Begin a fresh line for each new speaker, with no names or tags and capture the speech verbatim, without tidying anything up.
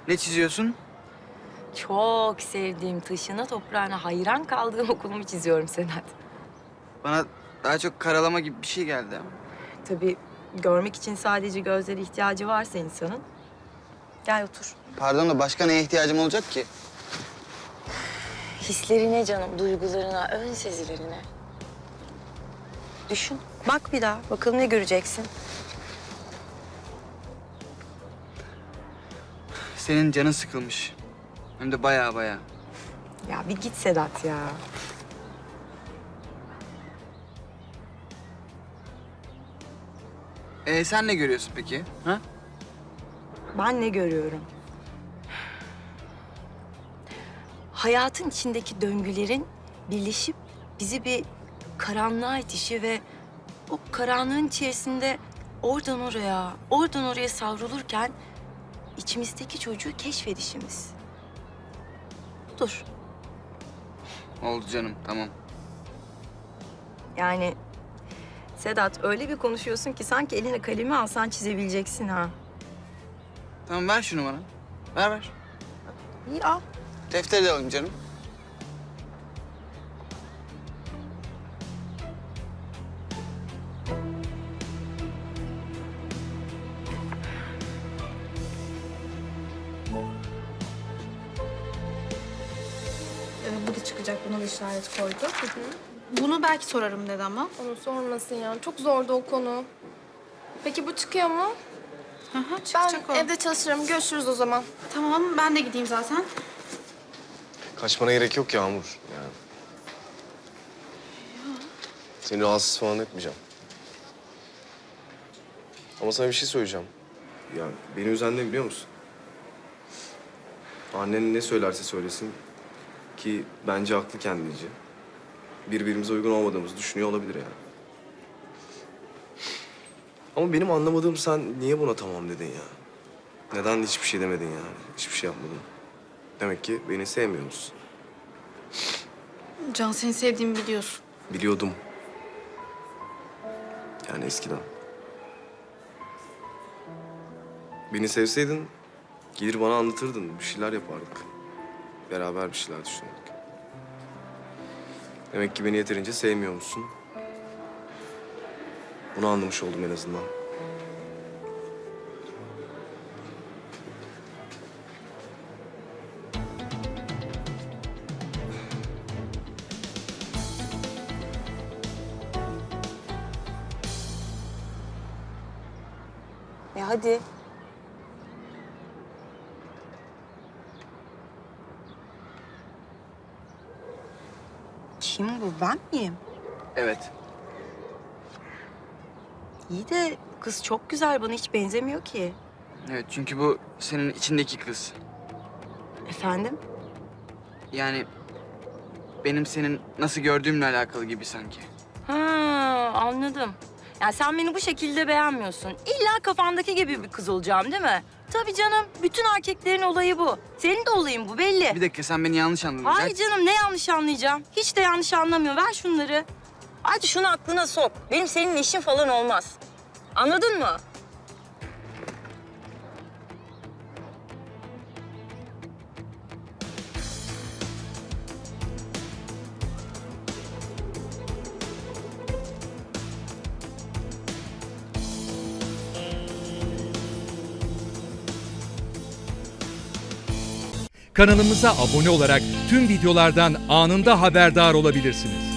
Ne çiziyorsun?
Çok sevdiğim, taşına toprağına hayran kaldığım okulumu çiziyorum Sedat.
Bana daha çok karalama gibi bir şey geldi ama.
Tabii görmek için sadece gözlere ihtiyacı varsa insanın. Gel otur.
Pardon da başka neye ihtiyacım olacak ki?
Hislerine canım, duygularına, ön sezilerine. Düşün, bak bir daha. Bakalım ne göreceksin.
Senin canın sıkılmış. Hem de bayağı bayağı.
Ya bir git Sedat ya.
Ee, sen ne görüyorsun peki? Ha?
Ben ne görüyorum? Hayatın içindeki döngülerin birleşip bizi bir karanlığa itişi ve o karanlığın içerisinde oradan oraya, oradan oraya savrulurken içimizdeki çocuğu keşfedişimiz. Dur.
Oldu canım, tamam.
Yani Sedat öyle bir konuşuyorsun ki sanki eline kalemi alsan çizebileceksin ha.
Tamam, ver şunu bana. Ver ver.
İyi al.
Defteri de alayım canım.
Ee, bu da çıkacak. Buna da işaret koydu. Bunu belki sorarım dedi ama.
Onu sormasın ya. Çok zordu o konu. Peki bu çıkıyor mu?
Hı hı,
Ben
çıkacak o.
evde çalışırım. Görüşürüz o zaman.
Tamam, ben de gideyim zaten.
Kaçmana gerek yok Yağmur. Yani. Seni rahatsız falan etmeyeceğim. Ama sana bir şey söyleyeceğim. Ya beni üzen ne biliyor musun? Annen ne söylerse söylesin ki bence haklı kendince. Birbirimize uygun olmadığımızı düşünüyor olabilir yani. Ama benim anlamadığım sen niye buna tamam dedin ya? Neden hiçbir şey demedin yani? Hiçbir şey yapmadın. Demek ki beni sevmiyor musun?
Can, seni sevdiğimi biliyorsun.
Biliyordum. Yani eskiden. Beni sevseydin gelir bana anlatırdın. Bir şeyler yapardık. Beraber bir şeyler düşünürdük. Demek ki beni yeterince sevmiyor musun? Bunu anlamış oldum en azından.
E hadi. Kim bu? Ben miyim?
Evet.
İyi de kız çok güzel. Bana hiç benzemiyor ki.
Evet, çünkü bu senin içindeki kız.
Efendim?
Yani benim senin nasıl gördüğümle alakalı gibi sanki.
Ha, anladım. Yani sen beni bu şekilde beğenmiyorsun. İlla kafandaki gibi bir kız olacağım değil mi? Tabii canım. Bütün erkeklerin olayı bu. Senin de olayın bu belli.
Bir dakika, sen beni yanlış anladın.
Hayır canım, ne yanlış anlayacağım? Hiç de yanlış anlamıyor. Ver şunları. Hadi şunu aklına sok. Benim seninle işim falan olmaz. Anladın mı?
Kanalımıza abone olarak tüm videolardan anında haberdar olabilirsiniz.